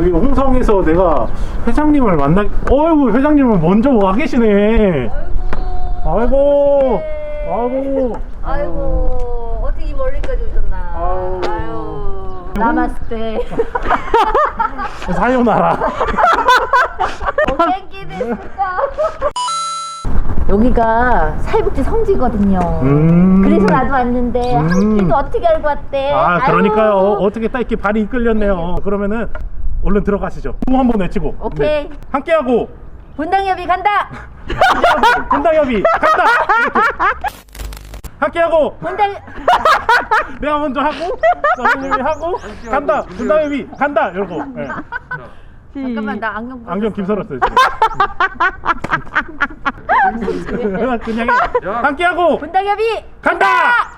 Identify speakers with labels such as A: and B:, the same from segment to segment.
A: 여기 홍성에서 내가 회장님을 어이구, 회장님은 먼저 와 계시네. 아이고,
B: 아이고, 어떻게 멀리까지 오셨나. 아유, 나마스테.
A: 사요나라.
B: 땡기 됐을까. 여기가 사회복지 성지거든요. 그래서 나도 왔는데 한 끼도 어떻게 알고 왔대?
A: 아, 그러니까요.
B: 아유.
A: 어떻게 딱 이렇게 발이 이끌렸네요. 그러면은 얼른 들어가시죠. 후 한번 외치고.
B: 오케이.
A: 네. 함께하고
B: 분당협의 간다.
A: 분당협이 간다. 함께하고
B: 분당.
A: 내가 먼저 하고 선생님이 하고 간다. 분당협이 간다. 이러고. 네.
B: 잠깐만, 나
A: 안경 김설었어요. 그냥 함께하고
B: 분당협의
A: 간다.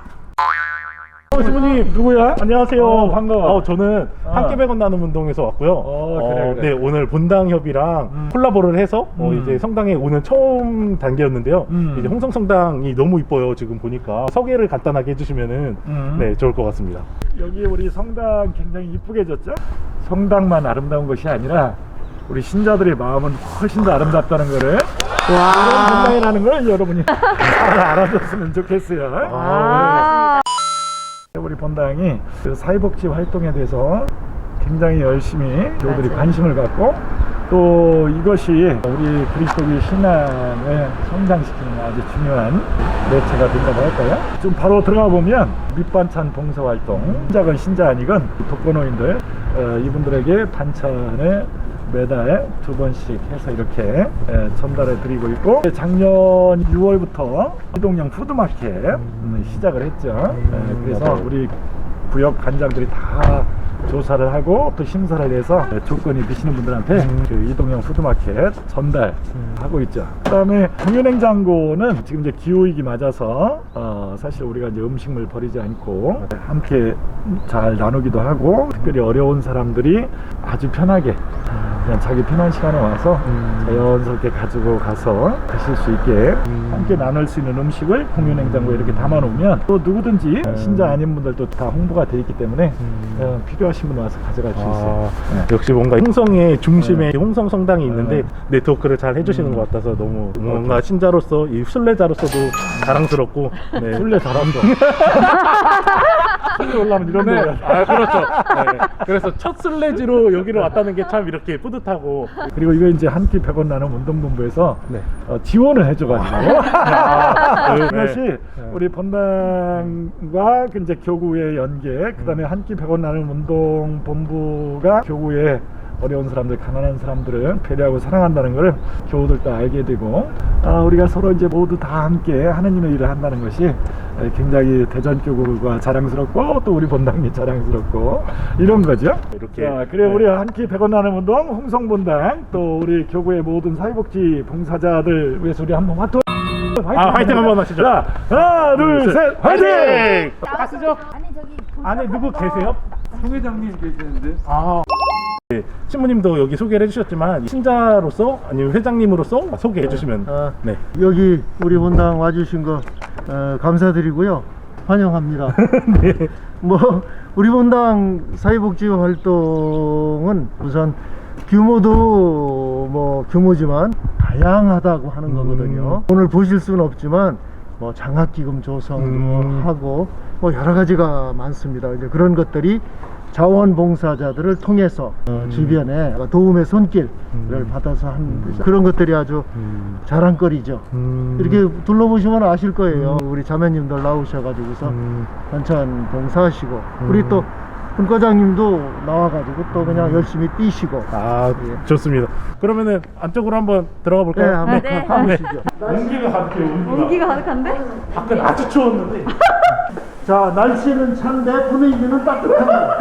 A: 신부님 누구야? 안녕하세요.
C: 반가워.
A: 저는 함께 100원 나눔 운동에서 왔고요.
C: 그래.
A: 네, 오늘 본당협이랑 콜라보를 해서 이제 성당에 오는 처음 단계였는데요. 이제 홍성 성당이 너무 이뻐요. 지금 보니까 소개를 간단하게 해주시면은 네, 좋을 것 같습니다.
C: 여기 우리 성당 굉장히 이쁘게 졌죠? 성당만 아름다운 것이 아니라 우리 신자들의 마음은 훨씬 더 아름답다는 거를 이런 본당이라는 걸 여러분이 잘 알아줬으면 좋겠어요. 우리 본당이 그 사회복지 활동에 대해서 굉장히 열심히 교우들이 관심을 갖고 또 이것이 우리 그리스도의 신앙을 성장시키는 아주 중요한 매체가 된다고 할까요? 좀 바로 들어가 보면 밑반찬 봉사활동, 신자건 신자 아니건 독거노인들 이분들에게 반찬을 매달 2번씩 해서 이렇게 전달해 드리고 있고, 작년 6월부터 이동형 푸드마켓 시작을 했죠. 그래서 우리 구역 관장들이 다 조사를 하고 또 심사를 해서 조건이 되시는 분들한테 그 이동형 푸드마켓 전달하고 있죠. 그 다음에 공유냉장고는 지금 이제 기후위기 맞아서 사실 우리가 이제 음식물 버리지 않고 함께 잘 나누기도 하고, 특별히 어려운 사람들이 아주 편하게 그냥 자기 편한 시간에 와서 자연스럽게 가지고 가서 드실 수 있게 함께 나눌 수 있는 음식을 공유냉장고에 이렇게 담아 놓으면 또 누구든지 신자 아닌 분들도 다 홍보가 되어 있기 때문에 필요하신 분 와서 가져갈 수 있어요.
A: 역시 뭔가 홍성의 중심에 홍성 성당이 있는데 네트워크를 잘 해주시는 것 같아서 너무 뭔가 신자로서, 이 순례자로서도 자랑스럽고. 네.
C: 술래 잘한다. 술래 올라면 이런
A: 네.
C: 데가.
A: 그렇죠. 네. 그래서 첫 순례지로 여기로 왔다는 게 참 이렇게 뿌듯하고.
C: 그리고 이거 이제 한 끼 100원 나눔 운동본부에서
A: 네.
C: 지원을 해줘가지고 이것이
A: 네.
C: 우리 본당과 이제 교구의 연계, 그 다음에 한 끼 100원 나눔 운동본부가 교구의 어려운 사람들, 가난한 사람들을 배려하고 사랑한다는 것을 교우들도 알게 되고, 우리가 서로 이제 모두 다 함께 하느님의 일을 한다는 것이 굉장히 대전교구가 자랑스럽고 또 우리 본당이 자랑스럽고 이런 거죠.
A: 이렇게.
C: 그래, 우리 한 끼 100원 나눔 운동 홍성본당, 또 우리 교구의 모든 사회복지 봉사자들 위해서 우리 한번 화이팅
A: 한번 하시죠.
C: 자, 하나 둘 셋 화이팅!
A: 가시죠.
B: 아니, 저기.
A: 안에 누구 계세요?
D: 송 회장님 계시는데.
A: 네, 신부님도 여기 소개를 해주셨지만 신자로서 아니면 회장님으로서 소개해 주시면. 네.
E: 여기 우리 본당 와주신 거 감사드리고요. 환영합니다.
A: 네.
E: 뭐 우리 본당 사회복지 활동은 우선 규모도 뭐 규모지만 다양하다고 하는 거거든요. 오늘 보실 수는 없지만 뭐 장학기금 조성도 하고 뭐 여러 가지가 많습니다. 이제 그런 것들이 자원봉사자들을 통해서 주변에 도움의 손길을 받아서 한 그런 것들이 아주 자랑거리죠. 이렇게 둘러보시면 아실 거예요. 우리 자매님들 나오셔가지고서 반찬 봉사하시고, 우리 또 분과장님도 나와가지고 또 그냥 열심히 뛰시고. 예.
A: 좋습니다. 그러면은 안쪽으로 한번 들어가
E: 네,
A: 볼까요?
E: 한번
B: 네.
E: 가보시죠.
A: 온기가 가득해요.
B: 온기가 가득한데?
A: 밖은 아주 추웠는데.
E: 자, 날씨는 찬데 분위기는 따뜻합니다.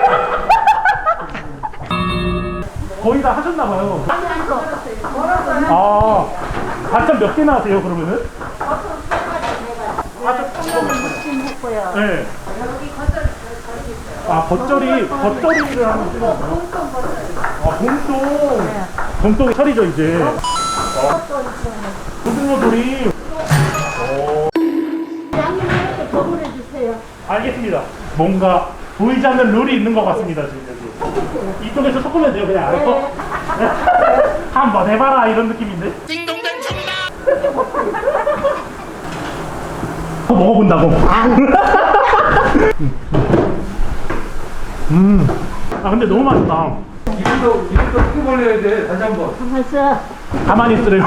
A: 거의 다 하셨나봐요. 반찬 몇 개나 하세요, 그러면은? 네. 겉절이를 하는구나. 봉동 철이죠, 이제. 고등어돌이. 알겠습니다. 뭔가 보이지 않는 룰이 있는 것 같습니다, 지금 여기. 이쪽에서 섞으면 돼요, 그냥 알고. 한번 해봐라 이런 느낌인데. 먹어본다고. 아 근데 너무 맛있다.
D: 이름도 크게 벌려야 돼. 다시 한 번.
A: 가만히 있으래요.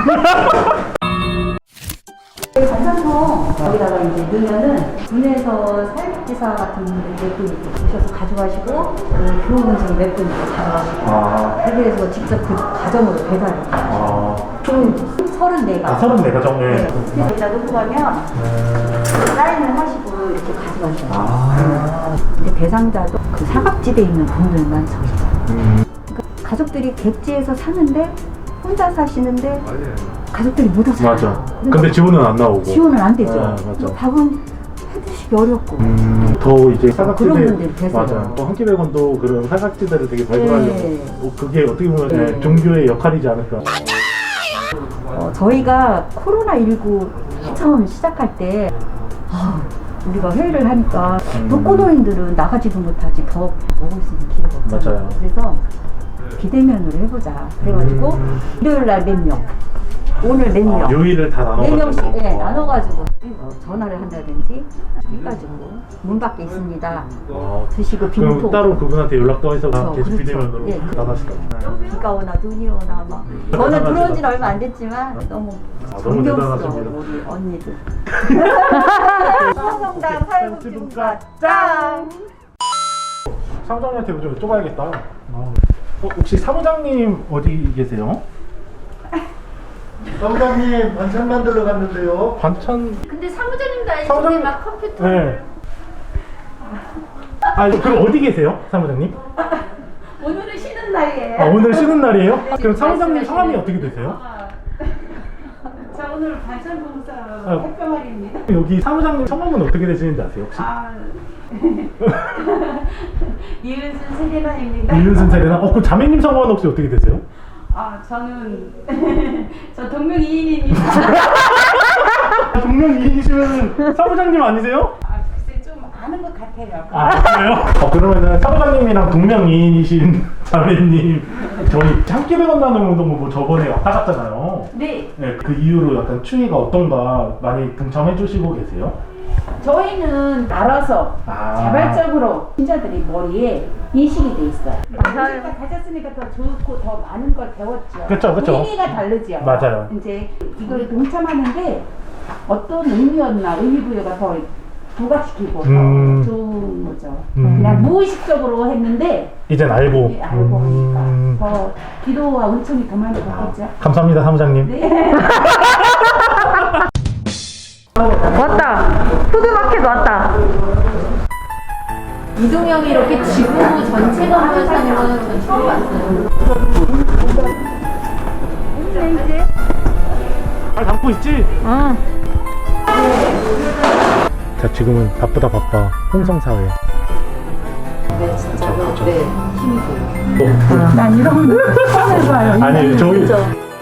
B: 반찬통 거기다가 이제 넣으면은 군에서 사회복지사 같은 분들 몇 분 이렇게 오셔서 가져가시고 교원생 몇 분 이렇게 가져가시고 해외에서 직접 그 가정으로 배달해요. 총 34가.
A: 34가정. 예.
B: 그래서 여기다 놓고 가면 사인을 하시고 이렇게 가져가셔요. 근데 대상자도 그 사각지대에 있는 분들만 적어요. 그러니까 가족들이 객지에서 사는데 혼자 사시는데 가족들이 못 와서
A: 맞아. 근데 지원은 안 나오고.
B: 지원은 안 되죠.
A: 맞아.
B: 밥은 해드시기 어렵고.
A: 더 이제
B: 그런
A: 사각지대.
B: 분들이 계세요.
A: 맞아. 또 한끼백원도 그런 사각지대를 되게 발굴하려고.
B: 네.
A: 그게 어떻게 보면
B: 네.
A: 종교의 역할이지 않을까.
B: 저희가 코로나19 처음 시작할 때 우리가 회의를 하니까 독거노인들은 나가지도 못하지 더 먹을 수 있는 기회가 없잖아요.
A: 맞아요.
B: 그래서 비대면으로 해보자. 그래가지고 일요일 날 몇 명, 오늘 몇 명,
A: 요일을 다
B: 네
A: 나눠가지고.
B: 명씩 나눠가지고 전화를 한다든지 해가지고 문 밖에 있습니다. 드시고
A: 그럼
B: 빈통.
A: 따로 그분한테 연락도 해서
B: 그렇죠,
A: 계속
B: 그렇죠.
A: 비대면으로
B: 예.
A: 나가시다.
B: 비가 오나 눈이 오나 막. 저는 들어온 지는 얼마 안 됐지만 너무
A: 너무
B: 존경스러워
A: 대단하십니다.
B: 우리 언니들. 성당 사회복지분과 짱.
A: 사무장님한테 좀 여쭤봐야겠다. 혹시 사무장님 어디 계세요?
E: 사무장님 반찬 만들러 갔는데요.
A: 반찬.
B: 근데 사무장님도 알지?
A: 사무장님-
B: 막 컴퓨터.
A: 네. 그럼 어디 계세요, 사무장님?
B: 오늘은 쉬는 날이에요.
A: 오늘 쉬는 날이에요? 그럼 사무장님
B: 말씀하시네.
A: 성함이 어떻게 되세요?
F: 자, 오늘 반찬봉사
A: 아.
F: 햇병아리입니다.
A: 여기 사무장님 성함은 어떻게 되시는지 아세요, 혹시?
F: 이은순 세리나입니다.
A: 이윤순 세례나? 그럼 자매님 성함은 혹시 어떻게 되세요?
F: 저는 저 동명이인입니다.
A: 동명이인이시면 사무장님 아니세요?
F: 글쎄 좀 아는 것 같아요.
A: 그래요? 그러면은 사무장님이랑 동명이인이신 자매님 저희 함께 만나는 운동 뭐 저번에 왔다 갔잖아요.
F: 네,
A: 네, 그 이후로 약간 추위가 어떤가 많이 동참해 주시고 계세요?
F: 저희는 알아서 자발적으로 신자들이 머리에 인식이 돼 있어요. 제가 가졌으니까 더 좋고 더 많은 걸 배웠죠.
A: 그쵸.
F: 의미가 다르죠.
A: 맞아요.
F: 이제 이거에 동참하는데 어떤 의미였나 의미부여가 더 부각시키고 더 좋은 거죠. 그냥 무의식적으로 했는데
A: 이젠 알고.
F: 네, 알고 하니까 더 기도와 은총이 더 많이 받겠죠.
A: 감사합니다, 사무장님.
F: 네.
B: 왔다. 푸드마켓 왔다. 이동형이 이렇게 지구 전체가 하면서 하는 거는 전 처음 봤어요.
A: 잘 담고 있지?
B: 응.
A: 자, 지금은 바쁘다 바빠 홍성사회.
B: 네, 진짜로. 네, 힘이 돼요.
F: 난 이런 거 처음 해봐요.
A: 아니 저희
B: 그죠?